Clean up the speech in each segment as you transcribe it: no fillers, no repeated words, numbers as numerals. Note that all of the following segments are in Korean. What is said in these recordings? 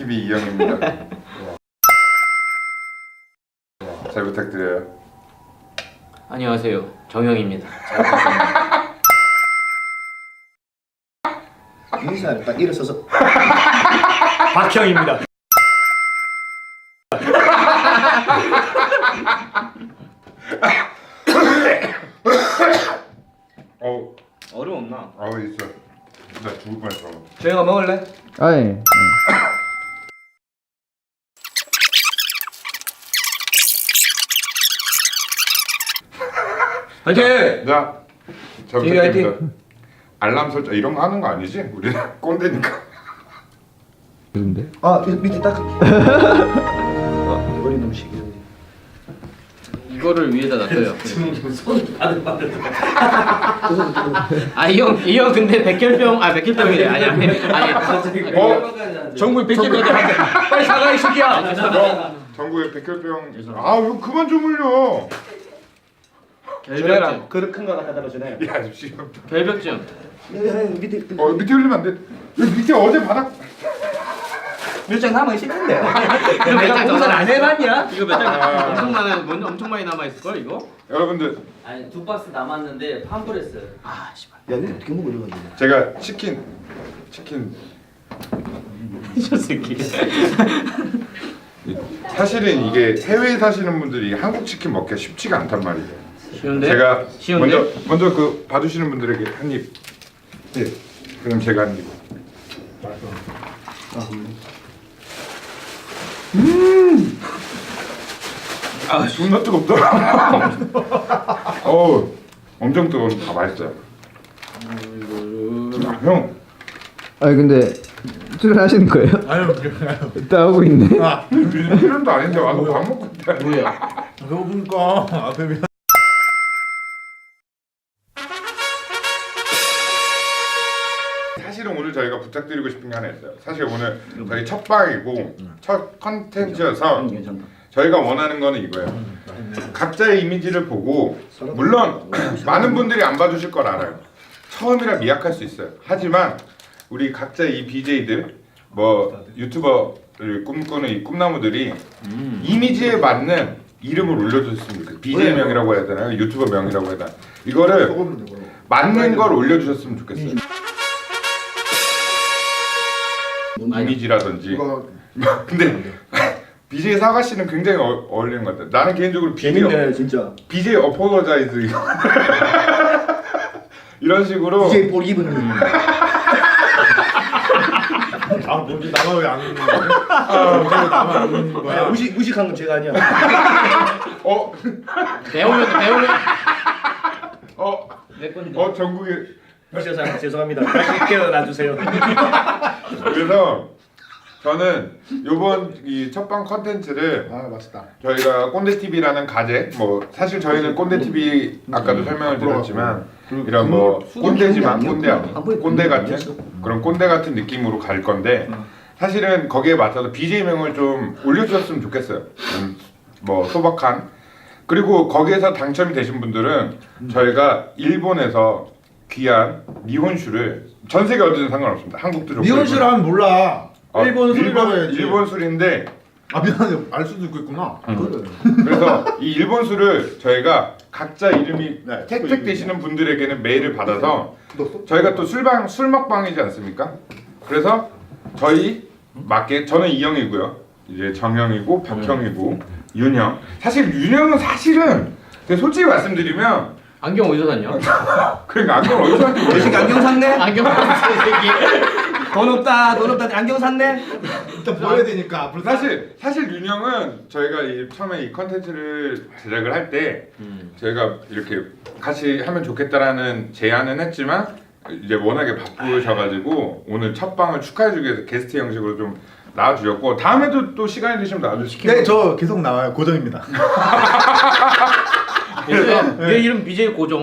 TV 이영입니다. 잘 부탁드려요. 안녕하세요, 정영입니다. 인사를 딱 일어서서 박형입니다. 얼음 없나? 있어. 나 죽을 뻔했어. 저희가 먹을래? 아예. 화이팅! 자, 잘 TV 부탁드립니다. 알람 설정 이런 거 하는 거 아니지? 우리 꼰대니까. 그런데? 아 밑에 딱 머리 너무 시기해. 이거를 위에다 놔둬요. 손 바들바들. 이 형 근데 백혈병이래. 아니. 전국에 백혈병 빨리 사과 이 새끼야. 전국에 백혈병 있어. 이거 그만 좀 흘려. 결벽증. 그릇 큰 거 갖다 주네요. 야, 지금. 결벽증. 밑에 밑에 흘리면 안 돼. 여기 밑에 어제 바닥. 몇장 남아 있을 텐데. 내가 공사를 안 해봤냐? 이거 몇 장? 엄청 많이 남아 있을 걸 이거? 여러분들 아니 2박스 남았는데 환불했어요. 아 씨발. 야 이거 어떻게 먹어 이거? 제가 치킨 저 새끼. 사실은 이게 해외에 사시는 분들이 한국 치킨 먹기가 쉽지가 않단 말이에요. 쉬운데? 제가 쉬운데? 먼저 그 봐주시는 분들에게 한 입. 네. 그럼 제가 한 입. 존나 뜨겁다. 엄청 뜨거운. 맛있어요. 형. 아니 근데 출연하시는 거예요? 아유, 일단 하고 있네. 필요도 아닌데 와서 밥 먹고 있다. 뭐야? 배고프니까 앞에 미. 사실은 오늘 저희가 부탁드리고 싶은 게 하나 있어요. 사실 오늘 저희 첫 방이고 첫 컨텐츠여서 저희가 원하는 거는 이거예요. 각자의 이미지를 보고 물론 많은 분들이 안 봐주실 걸 알아요. 처음이라 미약할 수 있어요. 하지만 우리 각자의 이 BJ들 뭐 유튜버를 꿈꾸는 이 꿈나무들이 이미지에 맞는 이름을 올려주셨으면 좋겠어요. BJ 명이라고 해야 되나요? 유튜버 명이라고 해야 되나? 이거를 맞는 걸 올려주셨으면 좋겠어요. 이미지라든지. 근데 BJ 사과 씨는 굉장히 어울리는 것 같아요. 나는 개인적으로 재밌네 진짜. BJ 어포로자이즈 이런 식으로 이제 볼 입은 뭔지 나만 왜안 웃는 거야? 뭔지 나만 안 웃는 거야? 무식한 건 제가 아니야. 배우면 내 건데. 전국에 무식해서 죄송합니다. 다시 깨어놔주세요. 그래서 저는 요번 이 첫방 컨텐츠를 맛있다. 저희가 꼰대TV라는 가제 뭐 사실 저희는 꼰대TV 아까도 설명을 드렸지만 이런 뭐 꼰대지만 꼰대 같은 그런 꼰대 같은 느낌으로 갈 건데 사실은 거기에 맞춰서 BJ명을 좀 올려주셨으면 좋겠어요. 뭐 소박한 그리고 거기에서 당첨이 되신 분들은 저희가 일본에서 귀한 니혼슈를 전 세계 어디든 상관없습니다. 한국도 좋고 니혼슈를 하면 몰라. 일본 술이라고 해야지. 일본 술인데 미안해. 알 수도 있겠구나. 그래서 이 일본 술을 저희가 각자 이름이 택되시는 분들에게는 메일을 받아서 저희가 또 술 먹방이지 않습니까? 그래서 저희 맞게 저는 이형이고요. 이제 정형이고 박형이고 윤형. 사실 윤형은 사실은 솔직히 말씀드리면 안경 어디서 샀냐? 그러니까 안경 어디서 샀는지 이 새끼 모르겠어요. 안경 샀네? 안경 샀어 새끼. 돈 없다 안경 샀네? 일단 보여야 되니까 앞으로 사실 윤형은 저희가 처음에 이 컨텐츠를 제작을 할 때 저희가 이렇게 같이 하면 좋겠다라는 제안은 했지만 이제 워낙에 바쁘셔가지고 오늘 첫 방을 축하해주기 위해서 게스트 형식으로 좀 나와주셨고 다음에도 또 시간이 되시면 나와주시면 네, 저 계속 나와요. 고정입니다. 얘 이름 BJ 고정.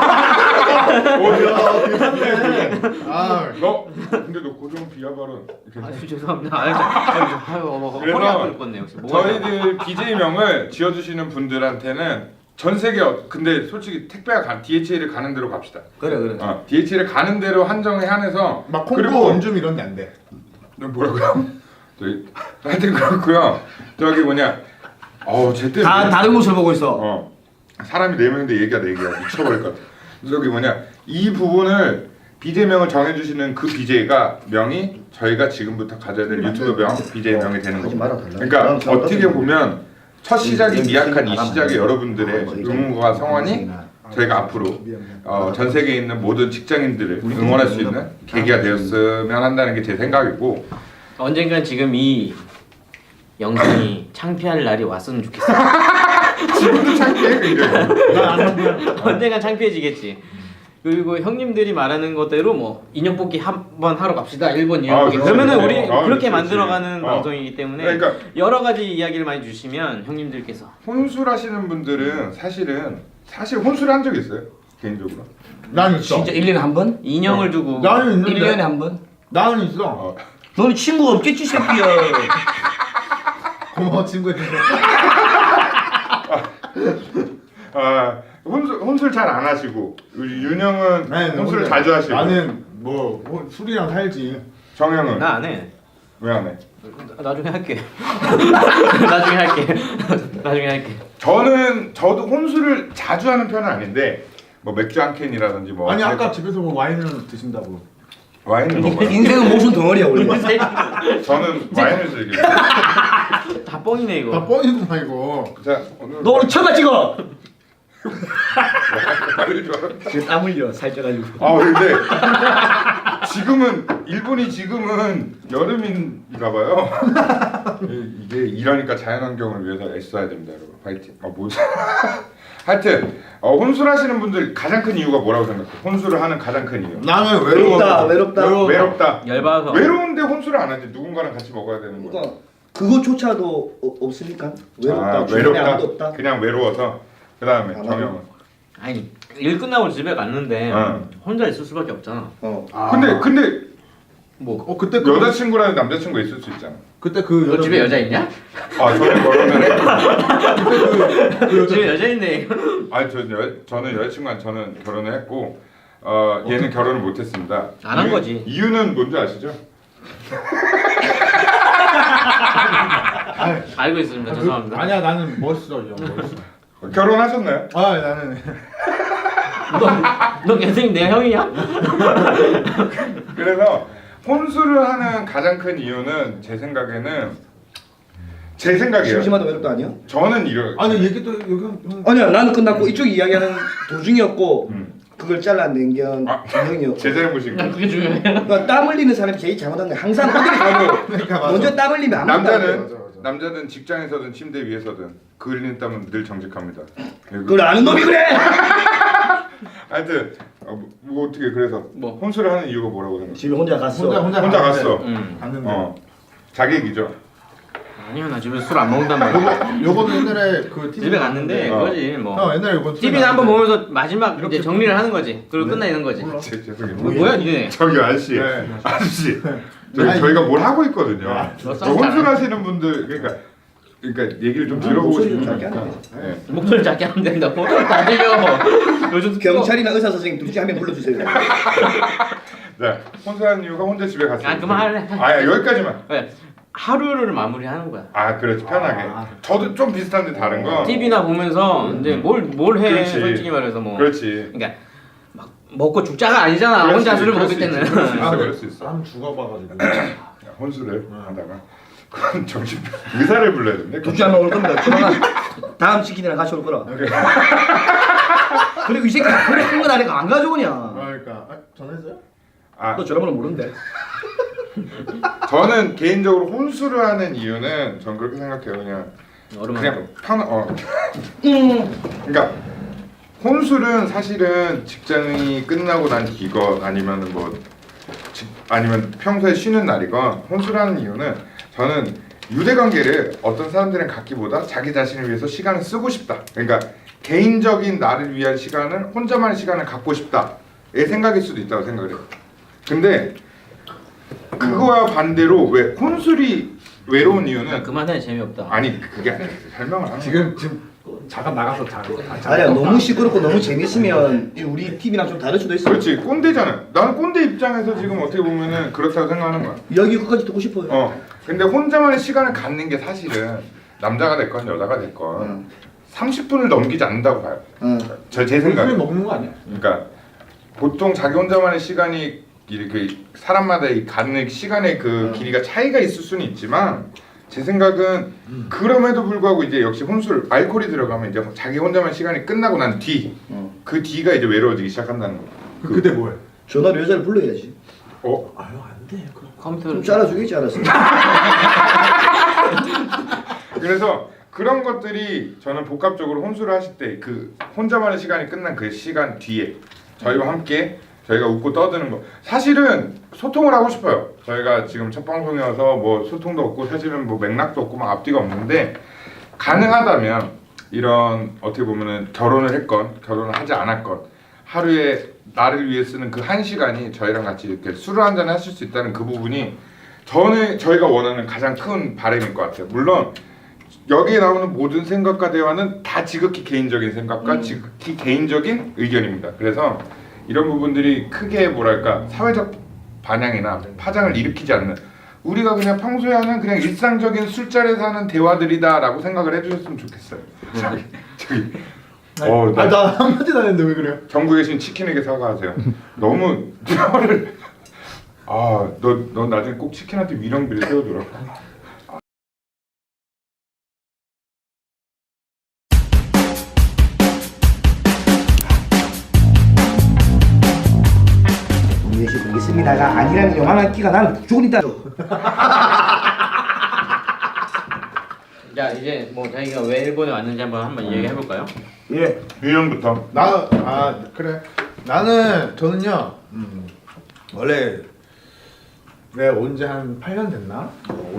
너 근데 너 고정 비하 발언 죄송합니다. 그래서 허리 아플 뻔네요. 저희들 BJ 명을 지어주시는 분들한테는 전 세계 근데 솔직히 택배가 DHL에 가는 대로 갑시다. 그래. DHL에 가는 대로 한정에 한해서 막 콩고 원줌 이런 데 안 돼. 뭐라고요? 하여튼 그렇고요. 저기 뭐냐, 쟤 때문에 다 다른 곳을 보고 있어. 사람이 4명인데 얘기가 4개야. 미쳐버릴 것 같아. 저기 뭐냐, 이 부분을 BJ명을 정해주시는 그 BJ가 명이 저희가 지금부터 가져야 될 유튜브 명, BJ 명이 되는 하지 겁니다. 말아 달라. 그러니까 어떻게 보면 첫 시작이 네, 미약한 이 네, 시작에 네. 여러분들의 응원과 성원이 저희가 앞으로 전 세계에 있는 모든 직장인들을 응원할 수 있는 계기가 되었으면 한다는 게 제 생각이고, 언젠간 지금 이 영상이 창피할 날이 왔으면 좋겠어. 지금도 창피해 굉장히. 언젠간 창피해지겠지. 그리고 형님들이 말하는 것대로 뭐 인형 뽑기 한번 하러 갑시다. 일본 인형 뽑기. 그렇지. 그러면은 우리 그렇게 그렇지. 만들어가는 방송이기 때문에 그러니까 여러 가지 이야기를 많이 주시면 형님들께서 혼술하시는 분들은 사실 혼술 한 적 있어요 개인적으로. 난 있어. 진짜 1년에 한 번? 인형을 두고 나는 있는데. 1년에 한 번? 나는 있어. 너는 친구가 없겠지 새끼야. 고마워 친구야. 혼술 잘 안 하시고 윤영은 혼술을 자주 하시고. 나는 술이랑 살지. 정영은 나 안 해. 왜 안 해? 나중에 할게. 나중에 할게. 저도 혼술을 자주 하는 편은 아닌데 뭐 맥주 한 캔이라든지 뭐 아니 아까 집에서 뭐 와인을 드신다고. 와인을 먹어요. 인생은 모순 덩어리야 원래. 저는 와인을 즐겨요. 다 뻥이네 이거. 다 뻥이구나 이거. 자 오늘 너 오늘 처가 찍어. 말을 좋아. 지금 땀 흘려 살쪄가지고. 근데 일본이 지금은 여름인가 봐요. 이게 이러니까 자연환경을 위해서 애써야 됩니다, 여러분. 파이팅. 하여튼 혼술하시는 분들 가장 큰 이유가 뭐라고 생각해? 혼술을 하는 가장 큰 이유. 나는 외롭다. 열받아서. 외로운데 혼술을 안 하지. 누군가랑 같이 먹어야 되는 거야. 그러니까 그거조차도 없으니까 외롭다. 주변에 외롭다. 아무도 없다. 그냥 외로워서. 그다음에 아, 정영은. 아니 일 끝나고 집에 갔는데 혼자 있을 수밖에 없잖아. 근데 뭐 그때 여자친구랑 남자친구 있을 수 있잖아. 그때 너 집에 여자 있냐? 저는 결혼을 해. 집에 여자 있네. 저는 여자친구랑 저는 결혼을 했고 얘는 결혼을 못했습니다. 안 한 거지. 이유는 뭔지 아시죠? 알고 있습니다. 죄송합니다. 아니야 나는 멋있어 이 형 멋있어. 결혼하셨나요? 나는 너 선생님 내 형이야? 그래서 혼술을 하는 가장 큰 이유는 제 생각이에요. 심심하다 외롭다 아니야? 저는 아니 얘기도 여기 아니야 나는 끝났고 이쪽 이야기하는 도중이었고 그걸 잘라낸 게 형이었고. 제 잘못인가? 그게 중요해. 그러니까 땀 흘리는 사람이 제일 잘못한 거야. 항상 어디 가도 그러니까 맞아. 먼저 땀 흘리면 안 남자는 직장에서든 침대 위에서든 그 흘리는 땀은 늘 정직합니다. 그걸 아는 놈이 그래. 하여튼 뭐 어떻게 그래서 뭐? 혼술을 하는 이유가 뭐라고 생각해? 집에 혼자 갔어. 혼자 갔어. 갔는데. 자기 얘기죠. 아니요 나 집에 술 안 먹는단 말이야. 요거는 옛날에 그 TV 집에 갔는데 그거지 뭐. 옛날에 이거 TV는 한번 보면서 마지막 이제 정리를 하는 거지. 그리고 끝나는 거지. 죄송해요. 뭐야 니네? 저기 아저씨, 아저씨, 저희가 뭘 하고 있거든요. 혼술하시는 분들 그러니까 얘기를 좀 들어보고 목소리 좀 싶으면 작게 하면 돼. 목소리 작게 하면 된다고? 다 들려. 요즘 경찰이나 의사 선생님 둘 중에 한 명 불러주세요. 네, 혼술하는 이유가 혼자 집에 갔어요. 그만할래. 여기까지만. 네. 하루를 마무리하는 거야. 그렇지 편하게. 저도 좀 비슷한데 다른 거. TV나 보면서 이제 뭘 해. 그렇지. 솔직히 말해서 뭐. 그렇지. 그러니까 막 먹고 죽자가 아니잖아. 그렇지, 혼자 술을 그럴 먹을 수 때는. 있지, 그럴 수 있어. 한 죽어봐가지고. 혼술을 하다가 그건 정신 의사를 불러야 되는데. 둘 중에 한 명 올 겁니다. 조만간 다음 치킨이랑 같이 올 거라. 그리고 이 새끼 그래 큰거 아니까 안 가져오냐. 그러니까 전화했어요? 너 전화번호 모르는데. 저는 개인적으로 혼술을 하는 이유는 전 그렇게 생각해요. 그냥 그러니까 혼술은 사실은 직장이 끝나고 난 뒤건 아니면은 아니면 평소에 쉬는 날이건 혼술하는 이유는 저는 유대관계를 어떤 사람들은 갖기보다 자기 자신을 위해서 시간을 쓰고 싶다. 그러니까 개인적인 나를 위한 시간을 혼자만의 시간을 갖고 싶다의 생각일 수도 있다고 생각을 해요. 근데 그거와 반대로 혼술이 외로운 이유는 그만해 재미없다. 아니 그게 아니라 설명을 하는 지금 잠깐 나가서 아니야 너무 시끄럽고 너무 재밌으면 우리 팀이랑 좀 다를 수도 있어. 그렇지 꼰대잖아. 나는 꼰대 입장에서 지금 어떻게 보면은 그렇다고 생각하는 거야. 이야기 끝까지 듣고 싶어요. 근데 혼자만의 시간을 갖는 게 사실은 남자가 됐건 여자가 됐건 30분을 넘기지 않는다고 봐요. 제 생각에. 먹는 거 아니야? 그러니까 보통 자기 혼자만의 시간이 이렇게 사람마다 이 갖는 시간의 그 길이가 차이가 있을 수는 있지만 제 생각은 그럼에도 불구하고 이제 역시 혼술 알코올이 들어가면 이제 자기 혼자만 시간이 끝나고 난 뒤 그 뒤가 이제 외로워지기 시작한다는 거. 그때 뭐해? 전화로 여자를 불러야지. 아유 안돼 그럼. 컴퓨터를 좀 잘라주겠지 알았어. 그래서 그런 것들이 저는 복합적으로 혼술을 하실 때 그 혼자만의 시간이 끝난 그 시간 뒤에 저희와 함께 저희가 웃고 떠드는 거 사실은 소통을 하고 싶어요. 저희가 지금 첫 방송이어서 뭐 소통도 없고 사실은 뭐 맥락도 없고 막 앞뒤가 없는데 가능하다면 이런 어떻게 보면은 결혼을 했건 결혼을 하지 않았건 하루에 나를 위해 쓰는 그 한 시간이 저희랑 같이 이렇게 술을 한잔 하실 수 있다는 그 부분이 저희가 원하는 가장 큰 바람일 것 같아요. 물론 여기에 나오는 모든 생각과 대화는 다 지극히 개인적인 생각과 지극히 개인적인 의견입니다. 그래서 이런 부분들이 크게 뭐랄까 사회적 반향이나 파장을 일으키지 않는 우리가 그냥 평소에 하는 그냥 일상적인 술자리에서 하는 대화들이다라고 생각을 해주셨으면 좋겠어요. 저기 나 한마디도 안 했는데 왜 그래요? 전국에 계신 치킨에게 사과하세요. 너무 혀를 너 나중에 꼭 치킨한테 위령비를 세워줘라. 동료시 보겠습니다가 아니라는 요만한 끼가 나는 무조건 있다. 자 이제 뭐 자기가 왜 일본에 왔는지 한번 이야기해 볼까요? 예. 위령부터. 그래. 저는요. 원래 내가 온 지 한 8년 됐나?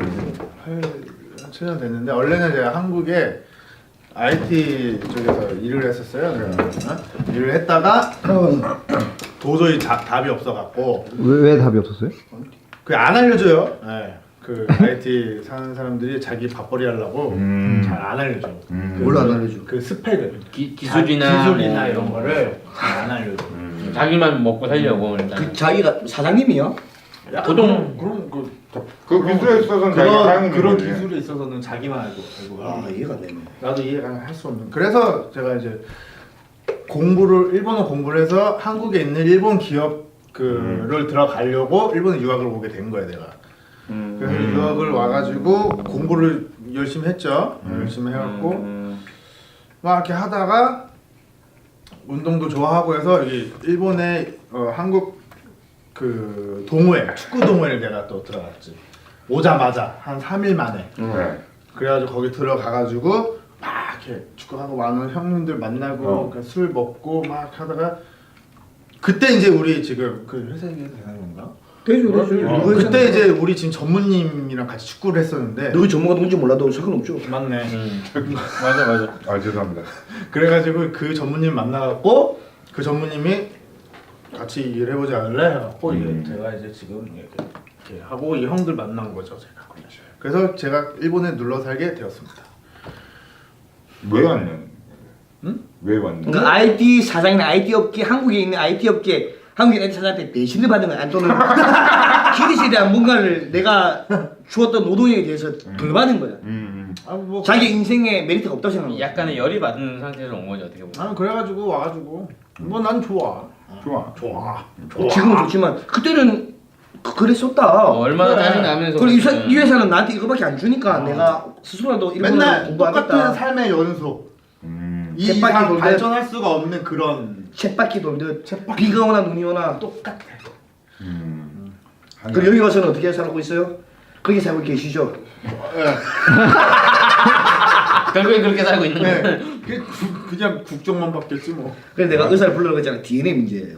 7년 됐는데 원래는 제가 한국에 IT 쪽에서 일을 했었어요. 내가 일을 했다가 도저히 답이 없어갖고 왜 답이 없었어요? 그 안 알려줘요. 네. 그 IT 사는 사람들이 자기 밥벌이 하려고 잘 안 알려줘. 뭘로 안 알려줘? 그 스펙을 기술이나 뭐 이런 거를 잘 안 알려줘. 자기만 먹고 살려고 일단. 그 자기가 사장님이요? 보통 그럼 그 기술에 있어서는 자기가 사용하는 그런 거지. 기술에 있어서는 자기만 알고 이해가 안 되네. 나도 이해가 할 수 없는. 그래서 제가 이제 일본어 공부를 해서 한국에 있는 일본 기업을 들어가려고 일본에 유학을 오게 된 거야 내가. 그래서 유학을 와가지고 공부를 열심히 했죠. 열심히 해갖고 막 이렇게 하다가 운동도 좋아하고 해서 여기 일본의 한국 그 동호회 축구 동호회를 내가 또 들어갔지. 오자마자 한 3일 만에. 그래가지고 거기 들어가가지고 막 이렇게 축구하고 많은 형님들 만나고 술 먹고 막 하다가 그때 이제 우리 지금 그 회사 얘기 되는 건가? 되죠. 그때 이제 우리 지금 전무님이랑 같이 축구를 했었는데 누구 전문가 누군지 몰라도 상관없죠. 맞네. 맞아. 죄송합니다. 그래가지고 그 전무님 만나갖고 그 전무님이 같이 일을 해보지 않을래? 해갖고 제가 이제 지금 이렇게 하고 이 형들 만난 거죠 제가. 그래서 제가 일본에 눌러 살게 되었습니다. 왜 왔냐? 응? 왜 왔냐? 그 IT 사장이나 IT 업계 한국에 있는 IT 업계 한국인 IT 사장한테 배신을 받은 거야. 또는 기대시에 대한 뭔가를 내가 주었던 노동에 대해서 덜 받은 거야. 뭐 자기 인생에 메리트가 없다고 생각하는 거야. 약간의 열이 받은 상태에서 온 거죠 어떻게 보면. 그래가지고 와가지고 뭐 난 좋아. 좋아. 지금은 좋지만 그때는 그랬었다. 얼마나 짜증 나면서. 그리고 이 회사는 나한테 이거밖에 안 주니까 내가 스스로라도 맨날 공부하겠다. 똑같은 삶의 연속. 이 쳇바퀴 이상 돌듯. 발전할 수가 없는 그런. 쳇바퀴 돌듯 비가 오나 눈이 오나 똑같아. 그리고 여기 와서는 어떻게 살고 있어요? 거기 살고 계시죠? 결국엔 그렇게 살고 있는 거예요. 그냥 국정만 바뀌었지 뭐. 그래서 내가 의사를 불러고 했잖아. DNA 문제예요.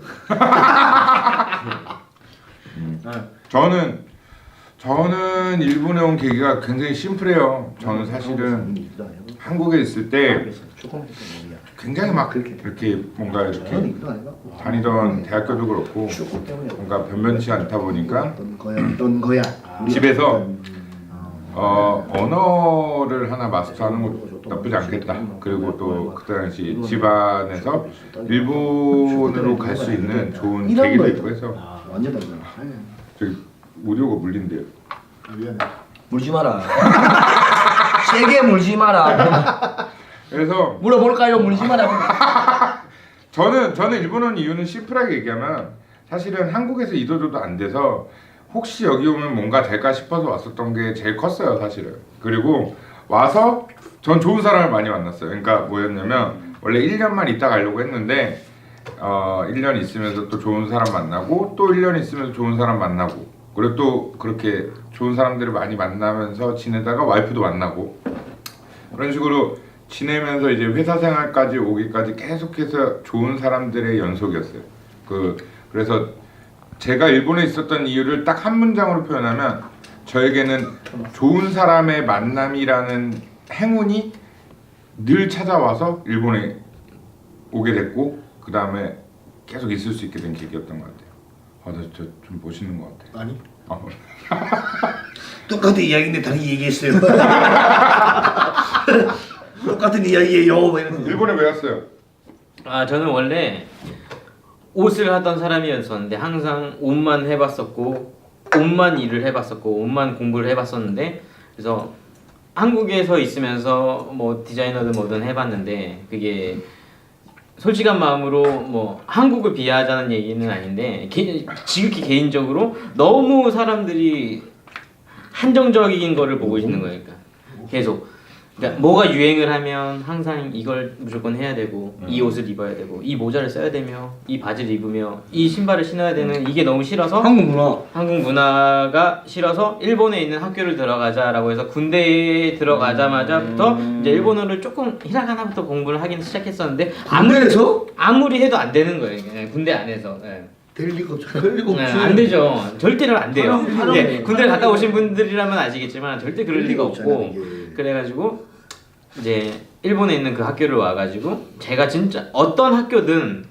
저는 일본에 온 계기가 굉장히 심플해요. 저는 사실은 한국에 있을 때 굉장히 막 이렇게 뭔가 이렇게 다니던 대학교도 그렇고 뭔가 변변치 않다 보니까 어떤 거야? 집에서 언어를 하나 마스터하는 것도 나쁘지 않겠다. 그리고 또 그 당시 집안에서 일본으로 갈 수 있는 좋은 계기도 있고 해서 완전 다르잖아. 저기 오디오가 물린대요. 아, 미안해. 물지 마라. 세게 물지 마라. 그래서 물어볼까요? 물지 마라. 저는 일본 온 이유는 심플하게 얘기하면 사실은 한국에서 이도저도 안 돼서 혹시 여기 오면 뭔가 될까 싶어서 왔었던 게 제일 컸어요 사실은. 그리고 와서 전 좋은 사람을 많이 만났어요. 그러니까 뭐였냐면 원래 1년만 있다 가려고 했는데 1년 있으면서 또 좋은 사람 만나고 또 1년 있으면서 좋은 사람 만나고 그리고 또 그렇게 좋은 사람들을 많이 만나면서 지내다가 와이프도 만나고 그런 식으로 지내면서 이제 회사 생활까지 오기까지 계속해서 좋은 사람들의 연속이었어요. 그래서 제가 일본에 있었던 이유를 딱 한 문장으로 표현하면 저에게는 좋은 사람의 만남이라는 행운이 늘 찾아와서 일본에 오게 됐고 그 다음에 계속 있을 수 있게 된 계기였던 것 같아요. 나 진짜 좀 멋있는 것 같아. 아니? 똑같은 이야기인데 다르게 얘기했어요. 똑같은 이야기예요. 일본에 왜 왔어요? 저는 원래 옷을 하던 사람이었었는데 항상 옷만 해봤었고 옷만 일을 해봤었고 옷만 공부를 해봤었는데 그래서 한국에서 있으면서 뭐 디자이너든 뭐든 해봤는데 그게 솔직한 마음으로 뭐 한국을 비하하자는 얘기는 아닌데 지극히 개인적으로 너무 사람들이 한정적인 거를 보고 있는 거예요. 그러니까 계속 그러니까 뭐가 유행을 하면 항상 이걸 무조건 해야 되고 이 옷을 입어야 되고 이 모자를 써야 되며 이 바지를 입으며 이 신발을 신어야 되는 이게 너무 싫어서 한국 문화가 싫어서 일본에 있는 학교를 들어가자라고 해서 군대에 들어가자마자부터 이제 일본어를 조금 히라가나부터 공부를 하긴 시작했었는데 아무리 해도 안 되는 거예요. 그냥 군대 안에서. 네. 될 리가 없잖아. 될 리가 없지. 안 되죠. 절대로 안 돼요. 네, 군대를 갔다 오신 분들이라면 아시겠지만 절대 그럴 리가 없고 그래가지고 이제 일본에 있는 그 학교를 와가지고 제가 진짜 어떤 학교든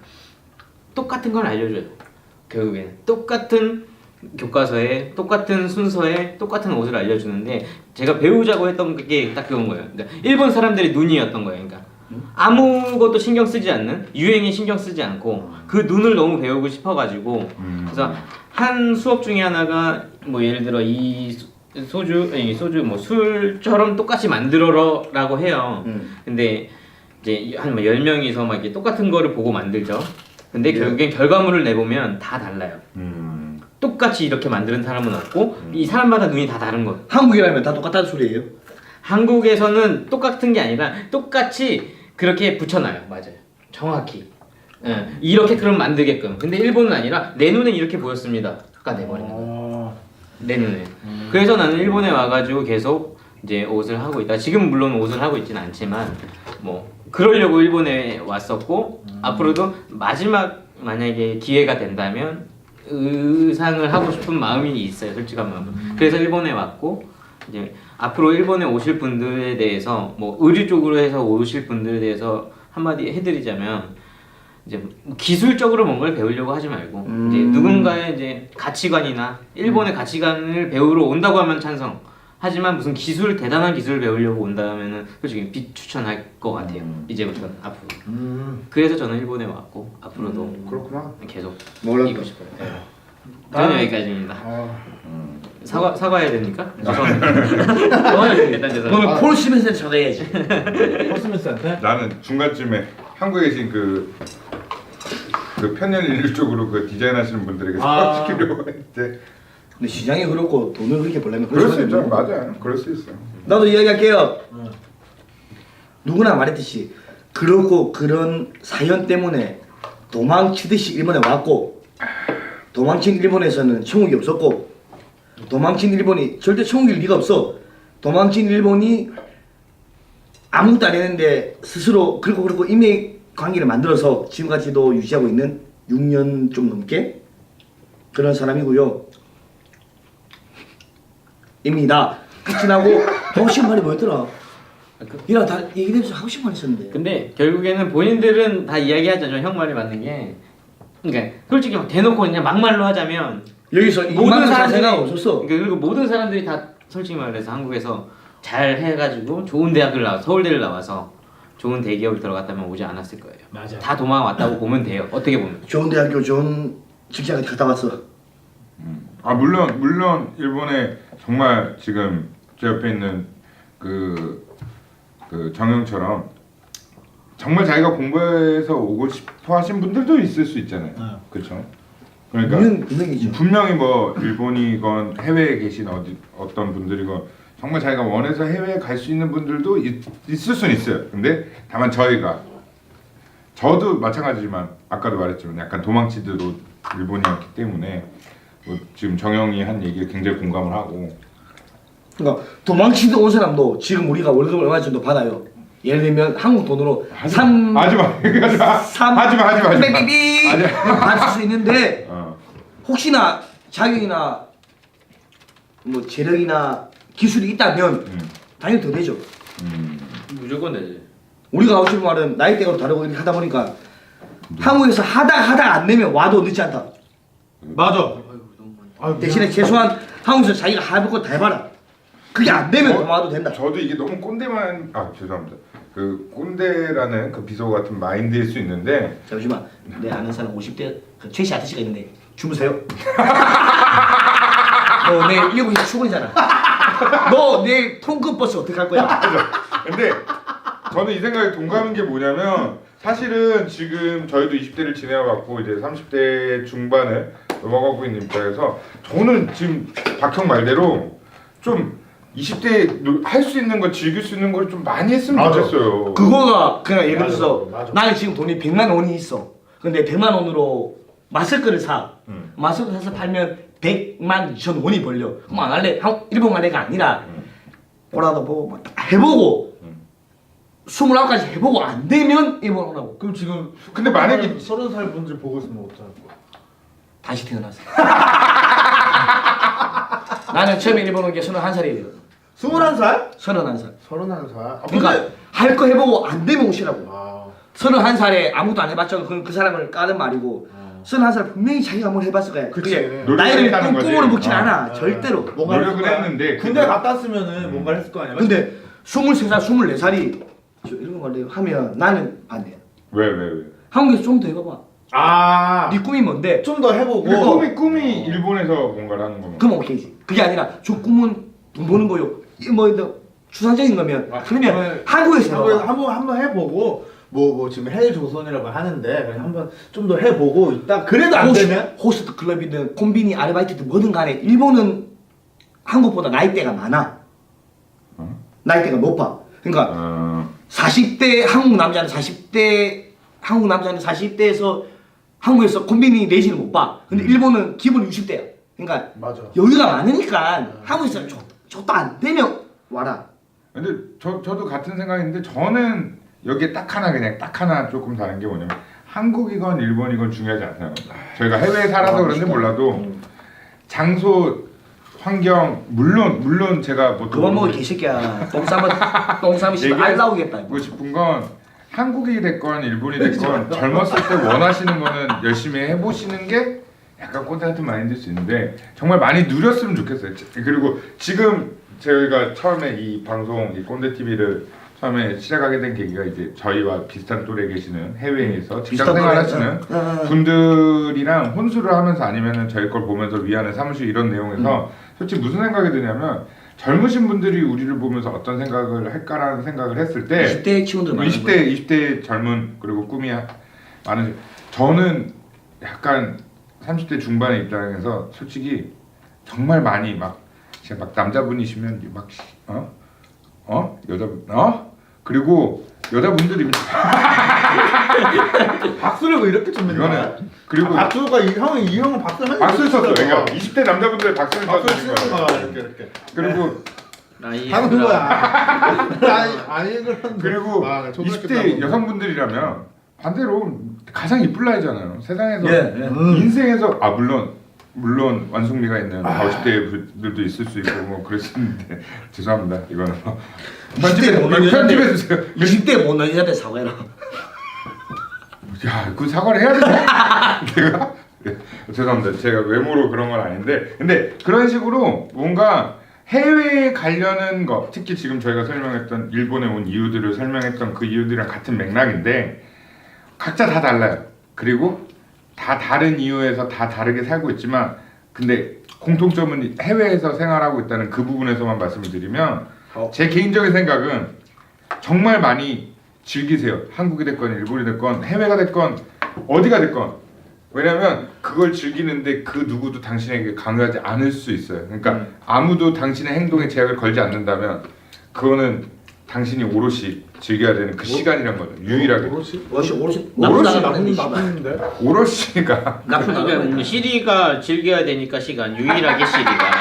똑같은 걸 알려줘요. 결국에는 똑같은 교과서에 똑같은 순서에 똑같은 옷을 알려주는데 제가 배우자고 했던 게 딱 그건 거예요. 그러니까 일본 사람들의 눈이었던 거예요. 그러니까 아무것도 신경 쓰지 않는 유행에 신경 쓰지 않고 그 눈을 너무 배우고 싶어가지고 그래서 한 수업 중에 하나가 뭐 예를 들어 이 소주 뭐 술처럼 똑같이 만들어라라고 해요. 근데 이제 한 뭐 10명이서 막 이렇게 똑같은 거를 보고 만들죠. 근데 결국엔 결과물을 내보면 다 달라요. 똑같이 이렇게 만드는 사람은 없고 이 사람마다 눈이 다 다른 거예요. 한국이라면 다 똑같다는 소리예요? 한국에서는 똑같은 게 아니라 똑같이 그렇게 붙여놔요. 맞아요. 정확히. 이렇게 그럼 만들게끔. 근데 일본은 아니라 내 눈엔 이렇게 보였습니다가 내버리는 거예요. 내 눈에. 그래서 나는 일본에 와가지고 계속 이제 옷을 하고 있다. 지금 물론 옷을 하고 있지는 않지만 뭐 그러려고 일본에 왔었고 앞으로도 마지막 만약에 기회가 된다면 의상을 하고 싶은 마음이 있어요. 솔직한 마음은. 그래서 일본에 왔고 이제 앞으로 일본에 오실 분들에 대해서 뭐 의류 쪽으로 해서 오실 분들에 대해서 한마디 해드리자면 이제 기술적으로 뭔가를 배우려고 하지 말고 이제 누군가의 이제 가치관이나 일본의 가치관을 배우러 온다고 하면 찬성. 하지만 무슨 대단한 기술을 배우려고 온다면은 솔직히 비추천할 것 같아요. 이제부터는 앞으로. 그래서 저는 일본에 왔고 앞으로도 그렇구나. 계속 몰랐다. 이고 싶어요. 네. 저는 여기까지입니다. 사과해야 됩니까? 죄송합니다. 일단 죄송합니다. 너는 폴 시멘스한테 전화해야지. 코스메스한테? 나는 중간쯤에 한국에 계신 그 편년 일률 쪽으로 그 디자인 하시는 분들에게 소개시키려고 했는데 근데 시장이 그렇고 돈을 그렇게 벌려면 그럴 수 있죠. 맞아요. 그럴 수 있어. 나도 이야기할게요. 누구나 말했듯이 그렇고 그런 사연 때문에 도망치듯이 일본에 왔고 도망친 일본에서는 천국이 없었고 도망친 일본이 절대 천국일 리가 없어. 도망친 일본이 아무것도 안 했는데 스스로 그렇고 인맥 관계를 만들어서 지금까지도 유지하고 있는 6년 좀 넘게 그런 사람이고요. 입니다. 끝이나고 하고 싶은 말이 뭐였더라? 이랑 다 얘기되면서 하고 싶은 말 있었는데. 근데 결국에는 본인들은 다 이야기하죠. 형 말이 맞는 게 그러니까 솔직히 막 대놓고 그냥 막말로 하자면 여기서 모든 사람들이 생각 없었어. 그리고 모든 사람들이 다 솔직히 말해서 한국에서 잘 해가지고 좋은 대학을 나와 서울대를 나와서 좋은 대기업을 들어갔다면 오지 않았을 거예요. 맞아. 다 도망왔다고 보면 돼요. 어떻게 보면. 좋은 대학교 좋은 직장에 갔다 왔어. 아 물론 일본에 정말 지금 제 옆에 있는 그 정영처럼 정말 자기가 공부해서 오고 싶어 하신 분들도 있을 수 있잖아요. 그렇죠? 그러니까 분명이죠. 분명히 뭐 일본이건 해외에 계신 어떤 분들이건 정말 자기가 원해서 해외에 갈 수 있는 분들도 있을 수는 있어요. 근데 다만 저도 마찬가지지만 아까도 말했지만 약간 도망치듯 일본이었기 때문에 뭐 지금 정영이 한 얘기에 굉장히 공감을 하고. 그러니까 도망치듯 온 사람도 지금 우리가 월급을 얼마 정도 받아요. 예를 들면 한국 돈으로 하지마 삐삐삐 받을 수 있는데 혹시나 자격이나 뭐 재력이나 기술이 있다면 당연히 더 되죠. 무조건 되지. 우리가 하고 싶은 말은 나이대가 다르고 이렇게 하다 보니까 한국에서 하다가 안 되면 와도 늦지 않다. 맞아. 대신에 최소한 한국에서 자기가 해볼 거 다 해봐라. 그게 안 되면 도망와도 된다. 저도 이게 너무 꼰대만 죄송합니다. 그 꼰대라는 그 비서 같은 마인드일 수 있는데 잠시만 내 아는 사람 50대 그 최씨 아저씨가 있는데 주무세요. 너 내일 7시 출근이잖아. 너 내일 통근 버스 어떻게 할 거야? 근데 저는 이 생각에 동감인 게 뭐냐면 사실은 지금 저희도 20대를 지내와갖고 이제 30대 중반을 넘어가고 있는 입장에서 저는 지금 박형 말대로 좀 20대 할 수 있는 거 즐길 수 있는 걸 좀 많이 했으면 맞아. 좋겠어요. 그거가 그냥 예를 들어서 맞아. 나는 지금 돈이 100만 원이 있어. 근데 100만 원으로 마스크를 사. 마스크 사서 팔면 100만 2천 원이 벌려. 그럼 안 할래? 일본 갈래가 아니라 뭐라도 보고 막 다 해보고 29까지 해보고 안 되면 일본 오라고. 그럼 지금 근데 만약에 30살 분들 보고 있으면 어떡할 거야? 다시 태어났어. 나는 처음에 일본 온 게 31살이에요. 21살? 31살. 31살. 그러니까 할 거 해보고 안 되면 오시라고. 아. 31살에 아무것도 안 해봤죠. 그건 그 사람을 까는 말이고 31살 분명히 자기가 뭘 해봤을 거야. 그치. 그게 노력을 나이를 했다는 거지. 꿈꾸로 먹진 않아. 아. 절대로. 뭔가를 노력을 했을 거야. 했는데 군대 그거- 갔다 왔으면은 뭔가를 했을 거 아니야. 근데 23살, 24살이 이런 걸 하면 나는 반대야. 왜? 한국에서 좀 더 해봐봐. 아. 네 꿈이 뭔데? 좀 더 해보고. 근데 꿈이 일본에서 뭔가를 하는 거면 그럼 오케이지. 그게 아니라 저 꿈은 돈 버는 거요. 뭐 추상적인 거면 그러면 한국에서 해봐봐. 한번 해보고 뭐 지금 해외 조선이라고 하는데 그냥 한번 좀 더 해보고 있다. 그래도 안 되면 호스트 클럽이든 콤비니 아르바이트든 뭐든 간에 일본은 한국보다 나이대가 많아. 나이대가 높아. 그러니까 40대 한국 남자는 40대에서 한국에서 콤비니 내지를 못 봐. 근데 일본은 기본 60대야. 그러니까 맞아. 여유가 많으니까 한국에서 저도 안 되면 와라. 근데 저도 같은 생각인데 저는 여기에 딱 하나 조금 다른 게 뭐냐면 한국이건 일본이건 중요하지 않아요. 저희가 해외에 살아서 그런지 몰라도 장소, 환경 물론 제가 뭐 그만 먹어 개새끼야. 똥 싸면 씨발 알 나오겠다. 얘기하고 싶은 건 한국이 됐건 일본이 됐건 젊었을 때 원하시는 거는 열심히 해보시는 게 약간 꼰대 같은 마인드일 수 있는데 정말 많이 누렸으면 좋겠어요. 그리고 지금 저희가 처음에 이 방송 이 꼰대 TV를 처음에 시작하게 된 계기가 이제 저희와 비슷한 또래 계시는 해외에서 직장 생활하시는 분들이랑 혼수를 하면서 아니면은 저희 걸 보면서 위안을 삼으시고 이런 내용에서 솔직히 무슨 생각이 드냐면 젊으신 분들이 우리를 보면서 어떤 생각을 할까라는 생각을 했을 때 20대 친구들 많은 20대 젊은 그리고 꿈이 많은 저는 약간 30대 중반의 입장에서 솔직히 정말 많이 막 진짜 막 남자분이시면 막 여자분 그리고 여자분들이 박수를 왜 이렇게 쳤는 거야? 이거는 그리고 박수가 이 형은 박수를 박수를 쳤어요. 그러니까 20대 남자분들 박수를 박수를 쳐주신 치는 거예요. 거야 이렇게. 그리고 나이 하는 거야. 아니 그런. 그리고 아, 초등학교 20대 때하고. 여성분들이라면 반대로 가장 이쁠 나이잖아요. 세상에서 예. 인생에서 물론 완숙미가 있는 50대 분들도 있을 수 있고 뭐 그랬었는데 죄송합니다. 이거는 편집해 주세요. 20대 못 여자한테 사과해라. 야, 그 사과를 해야 되나? 내가 죄송합니다. 제가 외모로 그런 건 아닌데 근데 그런 식으로 뭔가 해외에 가려는 거, 특히 지금 저희가 설명했던 일본에 온 이유들을 설명했던 그 이유들이랑 같은 맥락인데 각자 다 달라요. 그리고 다 다른 이유에서 다 다르게 살고 있지만 근데 공통점은 해외에서 생활하고 있다는 그 부분에서만 말씀을 드리면 제 개인적인 생각은 정말 많이 즐기세요. 한국이 됐건 일본이 됐건 해외가 됐건 어디가 됐건 왜냐면 그걸 즐기는데 그 누구도 당신에게 강요하지 않을 수 있어요. 그러니까 아무도 당신의 행동에 제약을 걸지 않는다면 그거는 당신이 오롯이 즐겨야 되는 그 시간이란 거죠. 유일하게. 오롯이 나쁜데? 오롯이가 그러니까 시리가 즐겨야 되니까 시간 유일하게 시리가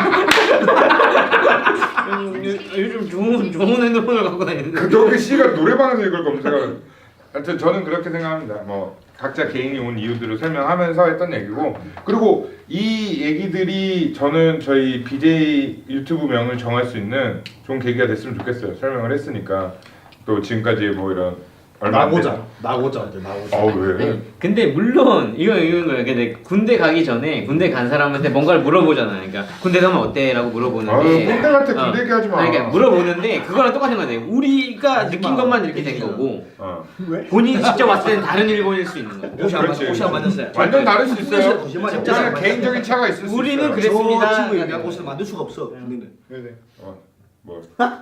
요즘 좋은 핸드폰을 갖고 다니는데 그 씨가 노래방에서 이걸 검색하는. 하여튼 저는 그렇게 생각합니다. 뭐 각자 개인이 온 이유들을 설명하면서 했던 얘기고 그리고 이 얘기들이 저는 저희 BJ 유튜브 명을 정할 수 있는 좋은 계기가 됐으면 좋겠어요. 설명을 했으니까 또 지금까지 뭐 이런 얼마 안 된- 나고자. 왜? 근데 물론 이건 거예요. 근데 군대 가기 전에 군대 간 사람한테 뭔가를 물어보잖아요. 그러니까 군대 가면 어때라고 물어보는데 아유, 꼰대 같아. 군대 얘기하지 마. 그러니까 물어보는데 그거랑 똑같은 거예요. 우리가 느낀 것만 이렇게 된 거고 왜? 본인이 직접 왔을 때는 다른 일본일 수 있는 거예요. 그렇지. 안 맞았어요. 완전 다를 수 있어요. 거짓말이야. 진짜 개인적인 차가 있을 수 우리는 있어요. 그랬습니다. 저 친구 얘기한 옷을 만들 수가 없어. 우리는. 뭐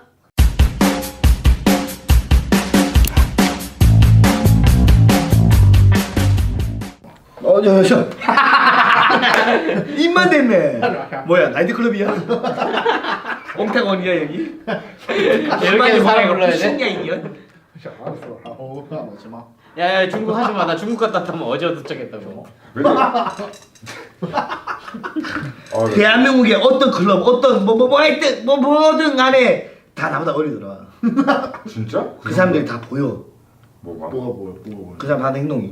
저. 입만 됐네. 뭐야 나이트클럽이야? 옹태건이야 여기? 이렇게 사람 불러야 돼? 신기인이야? 알았어. 먹지 마. 야 중국 하지 마. 나 중국 갔다 왔다면 어제 도착했다고. 왜? 왜? 대한민국의 어떤 클럽, 어떤 뭐 하여튼 뭐든 간에 다 나보다 어리더라. 진짜? 그 사람들이 다 보여. 뭐가? 뭐가 그 사람 하는 행동이.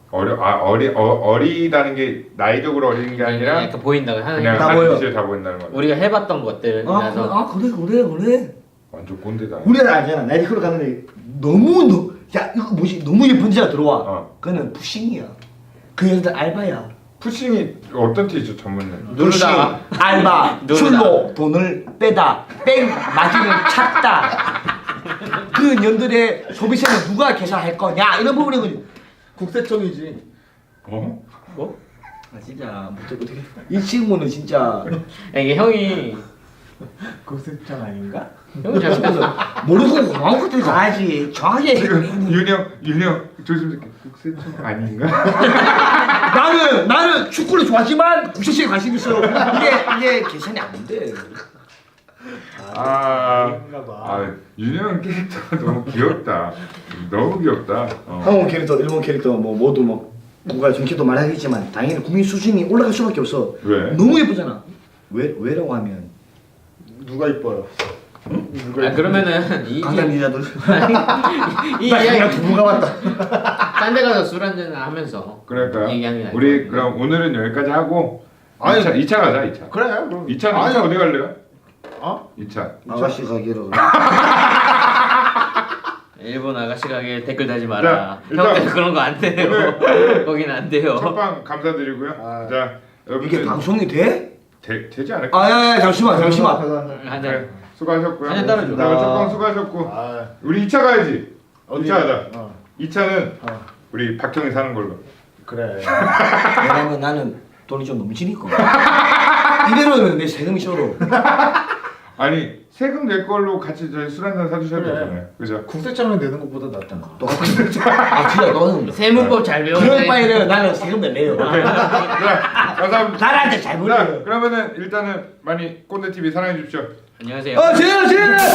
어리다는 게 나이적으로 어린 게 아니라 약간 보인다고 하는 그냥 다 한 보여. 짓을 다 보인다는 거야. 우리가 해봤던 것들이라서 그래. 완전 꼰대다. 우리는 알잖아. 나이트클럽 가는데 너무 야 이거 뭐지? 너무 예쁜 여자가 들어와. 어. 그거는 푸싱이야. 그 여자들 알바야. 푸싱이 어떤 티죠 전문용? 누르다. 푸싱, 알바, 누르다. 출로, 돈을 빼다, 뺑 마진을 찾다. 그 년들의 소비세는 누가 계산할 거냐 이런 부분이거든. 국세청이지. 어? 뭐? 아 진짜 어떻게 이 친구는 진짜 이게 형이 국세청 아닌가? 형이 잘못했어. 모르고 고마운 것들 다 하지. 정확하게 지금 윤영 조심스럽게 국세청 아닌가? 나는 축구를 좋아하지만 국세청에 관심 있어. 이게 계산이 안 돼. 윤영 캐릭터가 너무 귀엽다. 너무 귀엽다. 한국 캐릭터, 일본 캐릭터 뭐 모두 뭐 누가 정치도 말하겠지만 당연히 국민 수준이 올라갈 수밖에 없어. 왜? 너무 예쁘잖아. 왜라고 하면 누가 이뻐요? 누가 이뻐요? 그러면은 이 강남 여자들. 이 나 그냥 이야기 부부가 왔다. 딴 데 가서 술 한잔 하면서 그러니까요. 얘기하는 게 나을 우리 것 그럼 오늘은 여기까지 하고 아니, 2차 가자 2차. 그래 그럼. 2차는 아니, 2차 어디 갈래요? 어? 2차. 아가씨 가게로. 일본 아가씨 가게 댓글 달지 마라. 일단 형들 그런 거 안 돼요. 거긴 안 돼요. 첫방 감사드리고요. 자 이게 여러분들 방송이 돼? 되지 않을까? 아야야 잠시만. 네, 한잔. 수고하셨고요. 한잔 따라줘. 첫방 수고하셨고 아, 우리 2차 가야지. 어디? 2차 하자. 어. 2차는 어. 우리 박형이 사는 걸로. 그래. 왜냐면 나는 돈이 좀 넘치니까. 이대로면 내 세금이 셔도. 아니 세금 낼 걸로 같이 저희 술 한잔 사주셔도 그래. 되잖아요. 그죠? 국세청은 내는 것보다 낫잖아. 똑같은 아 진짜 너는 세문법 잘 그럴 배웠네. 바에는 나는 세금 낼래요. 자 감사합니다. 나한테 잘 자 보여요. 그러면은 일단은 많이 꼰대 TV 사랑해 주십시오. 안녕하세요. 쟤